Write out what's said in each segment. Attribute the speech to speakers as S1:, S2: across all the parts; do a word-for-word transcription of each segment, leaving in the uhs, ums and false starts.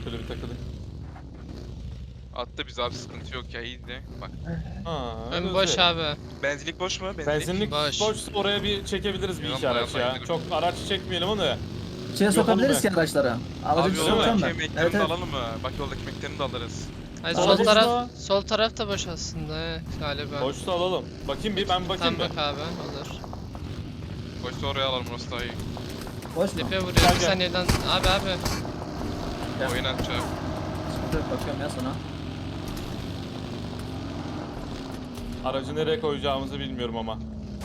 S1: şöyle bir takılayım.
S2: Attı biz abi, sıkıntı yok ya, iyiydi. Bak.
S1: Ha,
S3: Ön
S1: öyle
S3: boş
S1: güzel.
S3: abi.
S2: Benzinlik boş mu? Benzinlik.
S1: Benzinlik
S3: Boş.
S1: boş. Oraya bir çekebiliriz bir
S2: Yalan
S1: iki araç
S2: bayağı
S1: ya.
S2: saygı.
S1: Çok araç çekmeyelim onu.
S4: İçine
S1: Yok
S4: sokabiliriz
S1: oğlum
S4: ki araçlara. Aracı
S2: Abi
S4: içine
S1: öyle mi?
S4: sokacağım
S2: yoldaki
S4: ben.
S2: ekmeklerini
S4: Evet
S2: de
S4: evet.
S2: alalım mı? Bak yoldaki ekmeklerini de alırız.
S3: Hayır,
S1: Aracı
S3: sol taraf
S1: boş mu?
S3: sol taraf da boş aslında he, galiba.
S1: Boşta alalım. Bakayım bir, ben bakayım
S3: Tam
S1: bir.
S3: bak abi, olur.
S2: Boşta oraya alalım, orası daha iyi.
S4: Boş mu?
S3: Tepe vuruyor
S1: Gel,
S3: bir
S1: gel.
S3: saniyeden. Abi abi.
S4: Gel.
S2: Oyun atacağım.
S4: Sıkıntı yok, bakıyorum ya sana.
S1: Aracı nereye koyacağımızı bilmiyorum ama.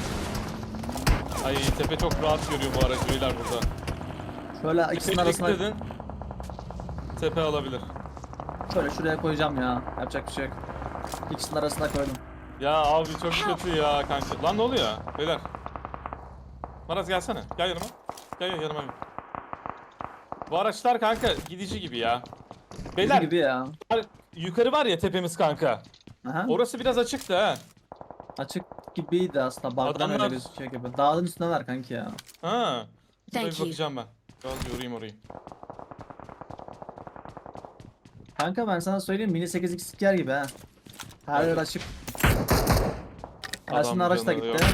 S1: Ay tepe çok rahat görüyor bu aracı beyler burada.
S4: Şöyle ikisinin
S1: Tepe
S4: arasına,
S1: dikkat edin. Tepe alabilir.
S4: şöyle şuraya koyacağım ya. Yapacak bir şey yok. İkisinin arasına koydum.
S1: Ya abi çok kötü ya kanka. Lan ne oluyor beyler? Maraz gelsene. Gel yanıma. Gel gel yanıma. Bu araçlar kanka gidici gibi ya. Beyler
S4: Gibi ya.
S1: yukarı var ya tepemiz kanka.
S4: Aha.
S1: Orası biraz açıktı ha.
S4: Açık gibiydi aslında. Bug'dan
S1: Adamlar-
S4: öyle gözüküyor gibi. Dağın üstüne ver kanki ya.
S1: Ha. Şuraya
S5: Thank
S1: bir
S5: you.
S1: bakacağım ben. Biraz yorayım orayı.
S4: Kanka ben sana söyleyeyim, mini sekiz x yer gibi ha. Her yer
S1: Evet.
S4: açık. Aslında araç da
S1: canı
S4: gitti.
S1: yok.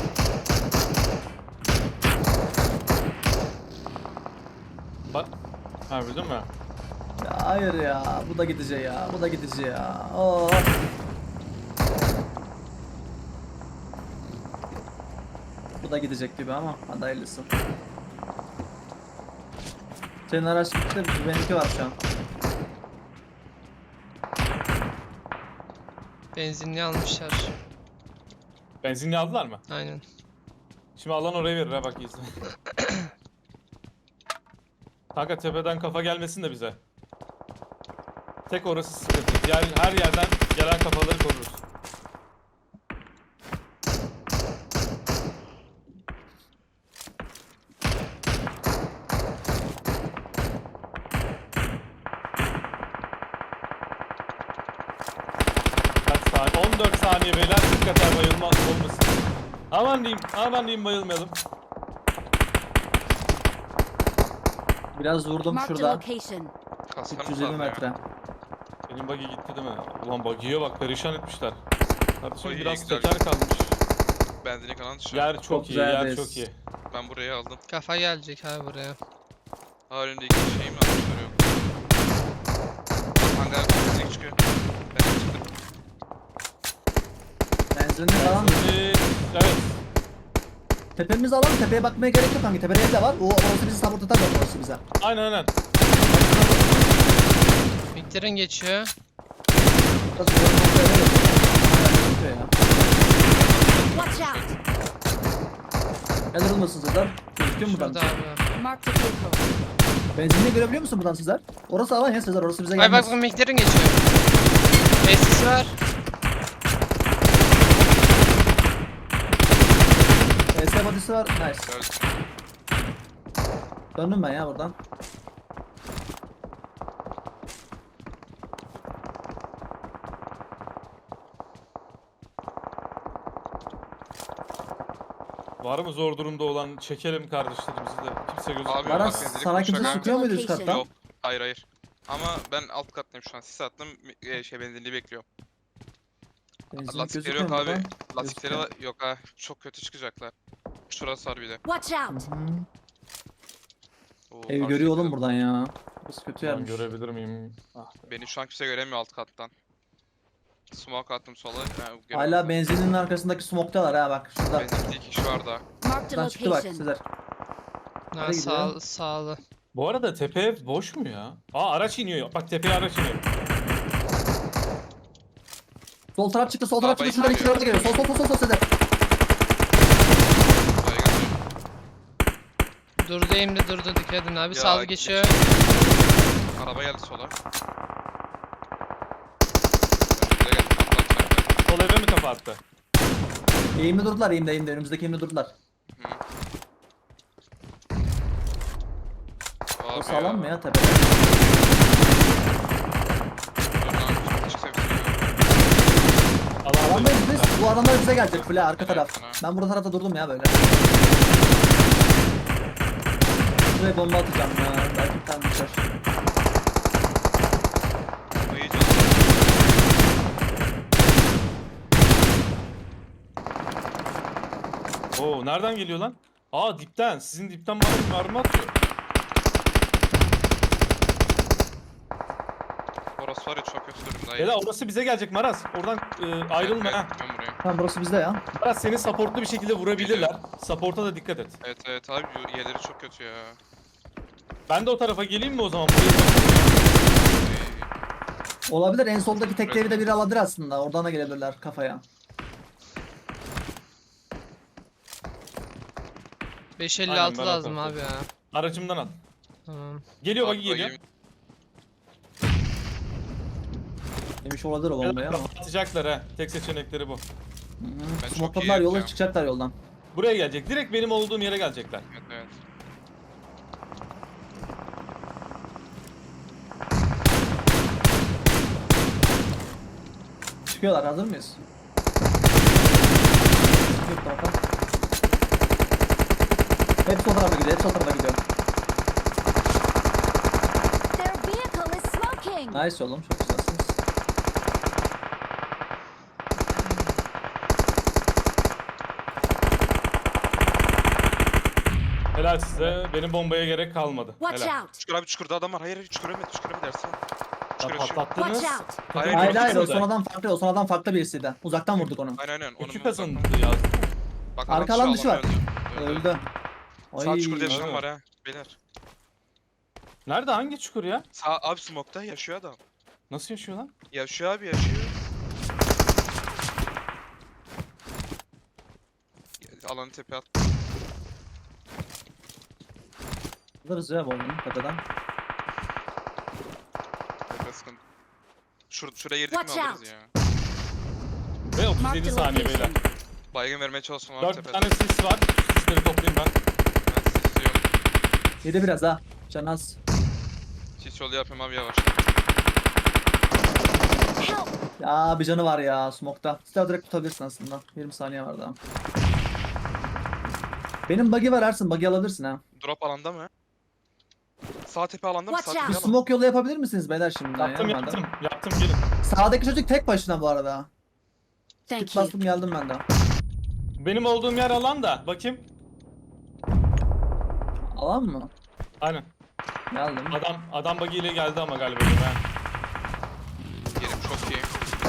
S1: Bak. Ha bildin mi?
S4: Ya hayır ya. Bu da gidici ya. Bu da gidici ya. Oo. Bu da gidecek gibi ama hadi hayırlısı. Senin araç gitti, benimki var şu an.
S3: Benzinli almışlar.
S1: Benzinli aldılar mı?
S3: Aynen.
S1: Şimdi alan oraya verir ha bak iyisin. Kanka tepeden kafa gelmesin de bize. Tek orası sıkıntı. Diğer her yerden gelen kafaları koruruz. Kaç saniye? on dört saniye beyler, dikkat bayılma olmasın. Aman diyeyim, aman diyeyim bayılmayalım.
S4: Biraz vurdum
S5: Marked a
S4: şurada.
S5: location.
S2: Kaskanı
S4: üç yüz elli metre.
S1: Benim buggy gitti değil mi? Ulan buggy'ye bak, perişan etmişler. Kardeşim
S2: Oy,
S1: biraz
S2: güzel.
S1: teker kalmış.
S2: Benzinlik alan dışı.
S1: Yer çok,
S4: Çok
S1: iyi,
S4: güzel
S1: yer
S4: base.
S1: çok iyi.
S2: Ben buraya aldım.
S3: Kafa gelecek abi buraya.
S2: Halinde iki şey mi almışlar yok. Hangar benzinlik çıkıyor. Ben çıktım.
S4: Benzinli falan.
S1: Ee, evet.
S4: Tepemiz alalım. Tepeye bakmaya gerek yok kanka. Tepede ev de var. O orası bizi sabot atar, orası bize.
S1: Aynen aynen.
S3: Miktarın geçiyor.
S4: Biraz üzerine kontrol edelim. Aynen, gözüküyor ya.
S5: Watch out.
S4: Neler olmasın sizler? Gözüküyor mu buradan?
S3: Şurada abi.
S5: Marked a vehicle.
S4: Benzinliği görebiliyor musun buradan sizler? Orası alan ya sizler. Orası bize
S3: Ay
S4: gelmez.
S3: bak bak miktarın geçiyor. Tesis var.
S4: E S body'si var. Nice.
S2: Gördüm.
S4: Döndüm ben ya buradan.
S1: Var mı zor durumda olan, çekelim kardeşlerimizi de. Kimse gözükmüyor.
S2: Abi,
S4: Bana
S2: bak benzinlik
S4: sana kimse
S2: boşa
S4: sıkıyor muydu üst
S5: kanka.
S4: kattan?
S2: Yok. Hayır hayır. Ama ben alt kattayım şu an. Sis attım. e, Şey benzinliği bekliyorum.
S4: Benzinlik
S2: Lastikleri
S4: gözüküyor
S2: yok
S4: mu
S2: abi.
S4: buradan?
S2: Lastikleri
S4: Gözüküyor.
S2: yok ha. Çok kötü çıkacaklar. Şurası var bir de.
S5: Watch out.
S4: Hı.
S2: Oo,
S4: Evi
S2: abi
S4: görüyor oğlum
S2: çekelim.
S4: buradan ya. Burası kötü
S1: Ben
S4: yermiş.
S1: görebilir miyim? Ah.
S2: Beni şu an kimse göremiyor alt kattan. Smoke attım sola. Yani
S4: Hala benzinin arkasındaki smoke'talar ha bak şurada.
S2: Benzinlikte iki kişi var daha.
S5: Marked a
S4: Şuradan çıktı bak
S5: location.
S4: sizler.
S3: Ha,
S4: Nereye gidiyor?
S3: sağ, sağlı.
S1: Bu arada tepe ev boş mu ya? Aa araç iniyor. Bak tepeye araç iniyor.
S4: Sol taraf çıktı, sol taraf
S2: Arabayı
S4: çıktı. Şuradan iki
S2: çıkıyor.
S4: araba geliyor. Sol sol sol sol sol sizler.
S2: Buraya geldim.
S3: Durdu eğimde durdu, dikkat edin abi.
S2: Ya,
S3: Sağlı geçiyor.
S2: Araba geldi sola. Önümüze geldi. Atlan
S1: Sol eve mi kafa attı?
S4: Eğimde durdular, eğimde eğimde. Önümüzdeki eğimde durdular. O sağlam mı ya tepede?
S1: Alan
S4: Alandayız biz. Bu adamlar bize gelecek full ha, arka taraf. Ben burada tarafta durdum ya böyle. Şuraya bomba atacağım ya. Belki bir tane düşer.
S1: Oo nereden geliyor lan? Aa dipten. Sizin dipten bana bir mermi atıyor.
S2: Orası var ya çok kötü durumda.
S1: Beyler orası bize gelecek Maraz. Oradan e, ayrılma ha.
S2: Ben buraya.
S4: Tamam burası bizde ya.
S1: Maraz seni supportlu bir şekilde vurabilirler. Support'a da dikkat et.
S2: Evet evet abi bu yerleri çok kötü ya.
S1: Ben de o tarafa geleyim mi o zaman? Buraya...
S4: Olabilir, en soldaki tek evi de biri alabilir aslında. Oradan da gelebilirler kafaya.
S3: beş elli
S1: Aynen,
S3: altı
S1: ben
S3: lazım
S1: atarım.
S3: abi ya.
S1: Aracımdan al.
S3: Tamam.
S1: Geliyor bagi
S2: Bak,
S1: geliyor.
S2: bakayım.
S4: Demiş olabilir o bombayı ama.
S1: Atacaklar ha. Tek seçenekleri bu.
S2: Ben çok iyi
S4: Smokladılar, yola
S2: yapacağım.
S4: çıkacaklar yoldan.
S1: Buraya gelecek. Direkt benim olduğum yere gelecekler.
S2: Evet evet.
S4: Çıkıyorlar, hazır mıyız? Çıkıyor bu tarafa. Hepsi o tarafa gidiyor, hepsi o tarafa gidiyor.
S5: Their vehicle is smoking.
S4: Nice oğlum, çok güzelsiniz.
S1: Helal size. Benim bombaya gerek kalmadı.
S5: Watch
S1: Helal.
S5: out.
S2: Çukur abi çukurda adam var. Hayır hayır çukur ölmedi çukur ölmedi Ersin. Çukur
S1: Ya
S2: yaşıyor.
S1: patlattınız.
S5: Watch out.
S2: Hayır,
S1: Takım
S4: Hayır hayır, o
S1: kazandı.
S4: sonradan farklı, o sonradan farklı birisiydi. Uzaktan vurduk onu.
S2: Aynen aynen. Onun
S1: İki
S2: bir
S1: kazandı
S2: uzaktan-
S1: ya.
S2: Bak,
S4: Arka
S2: adam
S4: alan
S2: şu
S4: dışı var.
S2: alanda öldü.
S4: Öldü.
S2: Sağ
S4: Ay.
S2: çukurda yaşayan
S1: öldü.
S2: var ha. Beyler.
S1: Nerede? Hangi çukur ya?
S2: Sağ abi smoke'ta yaşıyor adam.
S1: Nasıl yaşıyor lan?
S2: Yaşıyor abi yaşıyor. Alanı tepe at.
S4: Alırız ya bombayı tepeden.
S2: Tepe sıkıntı. Şur şuraya girdik mi
S5: Watch
S2: alırız
S5: out.
S2: ya.
S1: Ve otuz
S5: Mark
S1: yedi
S5: the
S1: saniye beyler.
S5: location.
S2: Baygın vermeye çalışsın abi
S1: dört
S2: tepede.
S1: tane sis var. Sisleri toplayayım ben.
S2: Ben sis yok.
S4: Yedi biraz ha. Can az.
S2: Sis yolu yapayım abi yavaş.
S5: Help.
S4: Ya bir canı var ya smoke'ta. Silah direkt tutabilirsin aslında. yirmi saniye var daha. Benim bug'i var Ersin. Bug'i alabilirsin ha.
S2: Drop alanda mı? Sağ tepe alanda mı? Sağ
S5: Watch
S2: tepe
S4: Bir
S5: out.
S2: alan.
S4: smoke yolu yapabilir misiniz beyler şimdi?
S1: Yaptım
S4: ya,
S1: yaptım. Yaptım gelin.
S4: Sağdaki çocuk tek başına bu arada.
S5: Thank
S4: Git
S5: you.
S4: bastım geldim ben de.
S1: Benim olduğum yer alan da. Bakayım.
S4: Alan mı?
S1: Aynen.
S4: Geldim.
S1: Adam adam buggy ile geldi ama galiba. Ha.
S2: Yerim çok iyi.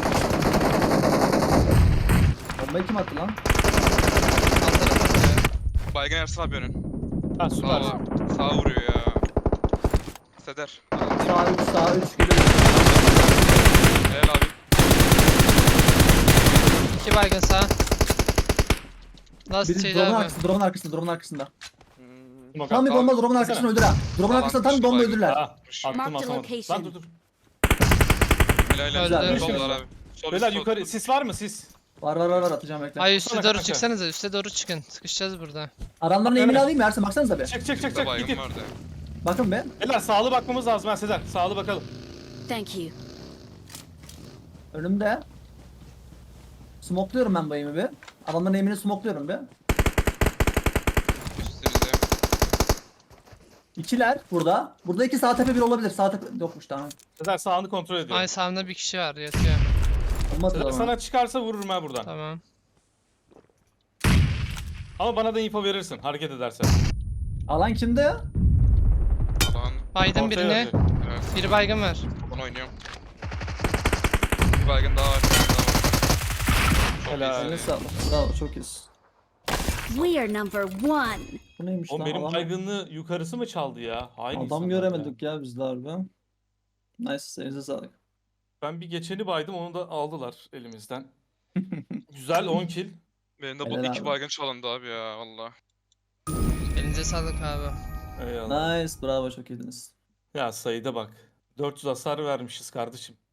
S4: Bombayı kim attı lan?
S3: Alt tarafı.
S2: Baygın Ersin abi önün.
S1: Ha
S2: Sağ,
S1: süper.
S2: sağ vuruyor ya. Seder.
S4: Sağ üç, sağ üç geliyor.
S2: Helal abi.
S3: İki baygın sağ. Last
S4: Biri
S3: şeydi
S4: drone'un
S3: abi.
S4: arkasında, drone'un arkasında, drone'un arkasında.
S1: Smoke
S4: Tam bir
S1: attım.
S4: bomba drone'un arkasına öldür ha. Drone'un
S2: Alan
S4: arkasında tam
S2: dışı
S4: bomba
S2: baygın.
S4: öldürler.
S1: Ha, attım
S5: Mark the
S1: atamadım.
S5: location.
S1: Lan dur dur.
S2: Helal helal.
S3: Öldü.
S2: Sol var abi. Sol
S1: Beyler
S2: sol,
S1: yukarı
S2: sol.
S1: sis var mı sis?
S4: Var var var var atacağım bekle.
S3: Ay üste
S1: Sana
S3: doğru
S1: kanka.
S3: çıksanıza. Üste doğru çıkın. Sıkışacağız burada.
S4: Adamların eğimini alayım mı Ersin? Baksanıza bir.
S1: Çık çık çık
S2: Bizde
S1: çık
S2: baygın
S1: gidin.
S2: vardı.
S4: Bakın be.
S1: Beyler sağlı bakmamız lazım ha Sezer. Sağlı bakalım.
S5: Thank you.
S4: Önümde. Smokluyorum ben bu aim'i bir. Adamların aim'ini smokluyorum bir.
S2: Üstümüzde.
S4: İkiler burada. Burada iki sağ tepe bir olabilir. Sağ tepe yokmuş tamam.
S1: Sezer sağını kontrol ediyor.
S3: Ay sağımda bir kişi var yatıyor.
S4: Olmaz o
S1: Sezer
S4: zaman.
S1: sana çıkarsa vururum ha buradan.
S3: Tamam.
S1: Ama bana da info verirsin hareket edersen.
S4: Alan kimde?
S2: Alan.
S3: Baydım
S1: Ortaya
S3: birini.
S1: verecek.
S2: Evet.
S3: Biri baygın var.
S2: Onu oynuyorum. Bir baygın daha var. Bir baygın daha var. Çok
S1: Helal.
S2: iyisin
S4: Eline
S2: ya.
S4: sağlık. Bravo çok iyisin.
S5: We are number one.
S4: Bu neymiş
S1: Oğlum
S4: lan?
S1: benim
S4: Alan-
S1: baygınlığı yukarısı mı çaldı ya? Hain
S4: Adam
S1: insanlar
S4: göremedik
S1: ya.
S4: ya biz de harbi. Nice, elinize sağlık.
S1: Ben bir geçeni baydım onu da aldılar elimizden. Güzel on kill.
S2: Benim de bu
S4: Helal
S2: iki
S4: abi.
S2: baygın çalındı abi ya valla.
S3: Elinize sağlık abi.
S1: Eyvallah.
S4: Nice, bravo çok iyiydiniz.
S1: Ya sayıda bak. dört yüz hasar vermişiz kardeşim.